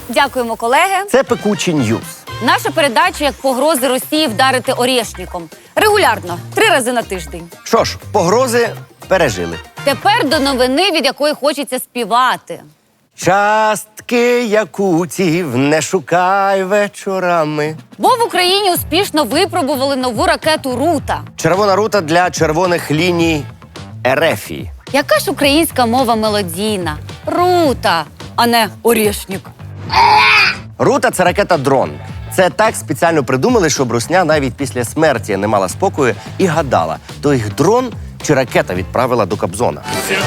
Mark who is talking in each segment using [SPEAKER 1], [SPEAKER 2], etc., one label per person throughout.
[SPEAKER 1] Дякуємо, колеги.
[SPEAKER 2] Це «Пекучі Ньюс».
[SPEAKER 1] Наша передача як погрози Росії вдарити орєшніком. Регулярно, 3 рази на тиждень.
[SPEAKER 2] Що ж, погрози пережили.
[SPEAKER 1] Тепер до новини, від якої хочеться співати.
[SPEAKER 2] Частки якутів не шукай вечорами.
[SPEAKER 1] Бо в Україні успішно випробували нову ракету «Рута».
[SPEAKER 2] Червона рута для червоних ліній Ерефії.
[SPEAKER 1] Яка ж українська мова мелодійна? «Рута», а не «орєшнік».
[SPEAKER 2] Рута – це ракета-дрон. Це так спеціально придумали, щоб русня навіть після смерті не мала спокою і гадала, то їх дрон чи ракета відправила до Кобзона.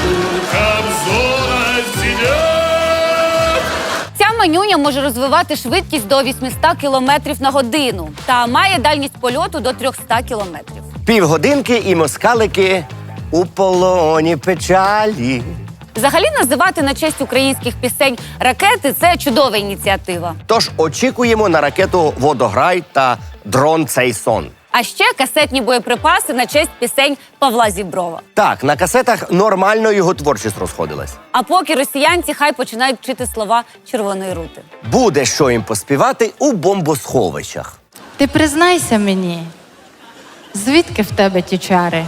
[SPEAKER 1] Ця манюня може розвивати швидкість до 800 км на годину та має дальність польоту до 300 км.
[SPEAKER 2] Півгодинки і москалики у полоні печалі.
[SPEAKER 1] Взагалі називати на честь українських пісень ракети – це чудова ініціатива.
[SPEAKER 2] Тож очікуємо на ракету «Водограй» та дрон «Цей сон».
[SPEAKER 1] А ще касетні боєприпаси на честь пісень Павла Зіброва.
[SPEAKER 2] Так, на касетах нормально його творчість розходилась.
[SPEAKER 1] А поки росіянці хай починають вчити слова «Червоної рути».
[SPEAKER 2] Буде що їм поспівати у бомбосховищах.
[SPEAKER 3] Ти признайся мені, звідки в тебе ті чари?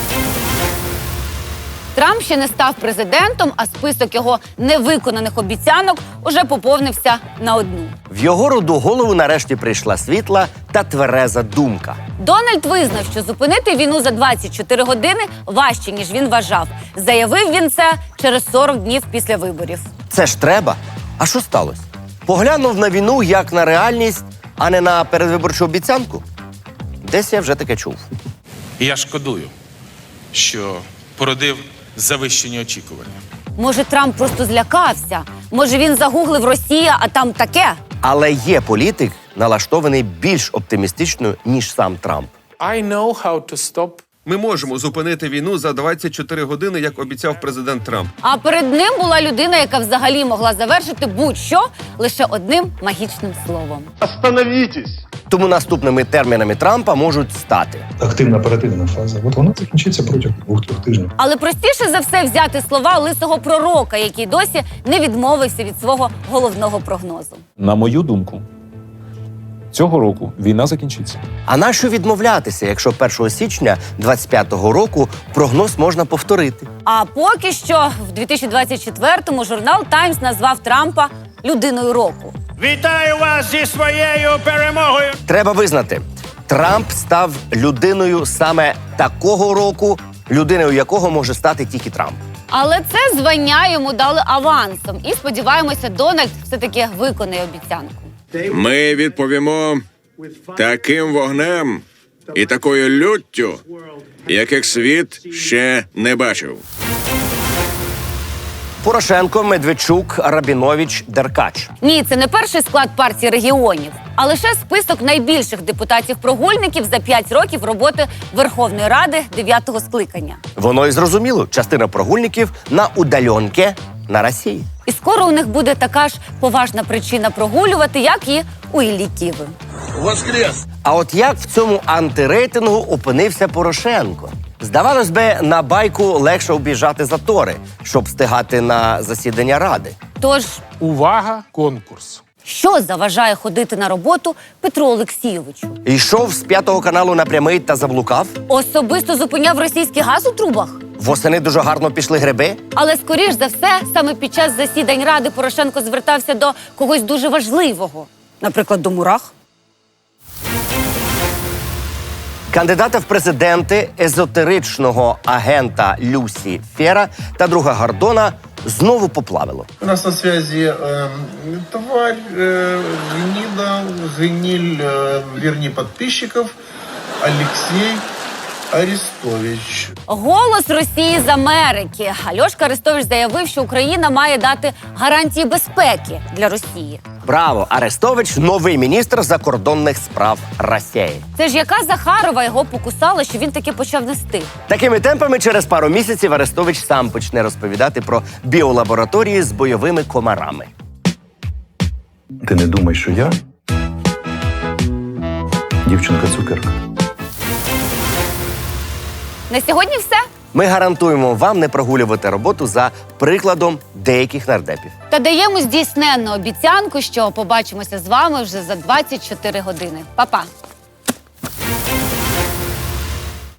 [SPEAKER 1] Трамп ще не став президентом, а список його невиконаних обіцянок уже поповнився на одну.
[SPEAKER 2] В його роду голову нарешті прийшла світла та твереза думка.
[SPEAKER 1] Дональд визнав, що зупинити війну за 24 години важче, ніж він вважав. Заявив він це через 40 днів після виборів.
[SPEAKER 2] Це ж треба. А що сталося? Поглянув на війну як на реальність, а не на передвиборчу обіцянку? Десь я вже таке чув.
[SPEAKER 4] І я шкодую, що породив завищені очікування.
[SPEAKER 1] Може, Трамп просто злякався? Може, він загуглив «Росія», а там таке?
[SPEAKER 2] Але є політик, налаштований більш оптимістично, ніж сам Трамп.
[SPEAKER 5] Ми можемо зупинити війну за 24 години, як обіцяв президент Трамп.
[SPEAKER 1] А перед ним була людина, яка взагалі могла завершити будь-що лише одним магічним словом.
[SPEAKER 2] Тому наступними термінами Трампа можуть стати
[SPEAKER 6] Активна оперативна фаза. От вона закінчиться протягом 2-3 тижнів.
[SPEAKER 1] Але простіше за все взяти слова лисого пророка, який досі не відмовився від свого головного прогнозу.
[SPEAKER 7] На мою думку, цього року війна закінчиться.
[SPEAKER 2] А нащо відмовлятися, якщо 1 січня 25-го року прогноз можна повторити?
[SPEAKER 1] А поки що в 2024-му журнал «Таймс» назвав Трампа людиною року.
[SPEAKER 8] Вітаю вас зі своєю перемогою!
[SPEAKER 2] Треба визнати, Трамп став людиною саме такого року, людиною якого може стати тільки Трамп.
[SPEAKER 1] Але це звання йому дали авансом. І сподіваємося, Дональд все-таки виконає обіцянку.
[SPEAKER 9] Ми відповімо таким вогнем і такою люттю, яких світ ще не бачив.
[SPEAKER 2] Порошенко, Медведчук, Рабінович, Деркач.
[SPEAKER 1] Ні, це не перший склад партії регіонів, а лише список найбільших депутатів-прогульників за 5 років роботи Верховної Ради 9-го скликання.
[SPEAKER 2] Воно і зрозуміло, частина прогульників на удальонки на Росії.
[SPEAKER 1] І скоро у них буде така ж поважна причина прогулювати, як і у Іллі Ківи.
[SPEAKER 2] А от як в цьому антирейтингу опинився Порошенко? Здавалось би, на байку легше обіжати затори, щоб встигати на засідання Ради.
[SPEAKER 1] Тож,
[SPEAKER 8] Увага, конкурс.
[SPEAKER 1] що заважає ходити на роботу Петру Олексійовичу?
[SPEAKER 2] Йшов з 5-го каналу на прямий та заблукав.
[SPEAKER 1] Особисто зупиняв російський газ у трубах?
[SPEAKER 2] Восени дуже гарно пішли гриби.
[SPEAKER 1] Але, скоріш за все, саме під час засідань Ради Порошенко звертався до когось дуже важливого. Наприклад, до мурах.
[SPEAKER 2] Кандидата в президенти, езотеричного агента Люсі Фера та друга Гордона знову поплавило.
[SPEAKER 10] У нас на связи тварь, гниль, верни подписчиков, Алексей Арестович.
[SPEAKER 1] Голос Росії з Америки. Альошка Арестович заявив, що Україна має дати гарантії безпеки для Росії.
[SPEAKER 2] Браво! Арестович – новий міністр закордонних справ Росії.
[SPEAKER 1] Це ж яка Захарова його покусала, що він таки почав нести?
[SPEAKER 2] Такими темпами через пару місяців Арестович сам почне розповідати про біолабораторії з бойовими комарами.
[SPEAKER 6] Ти не думай, що я дівчинка-цукерка.
[SPEAKER 1] На сьогодні все.
[SPEAKER 2] Ми гарантуємо вам не прогулювати роботу за прикладом деяких нардепів.
[SPEAKER 1] Та даємо здійсненну обіцянку, що побачимося з вами вже за 24 години. Па-па!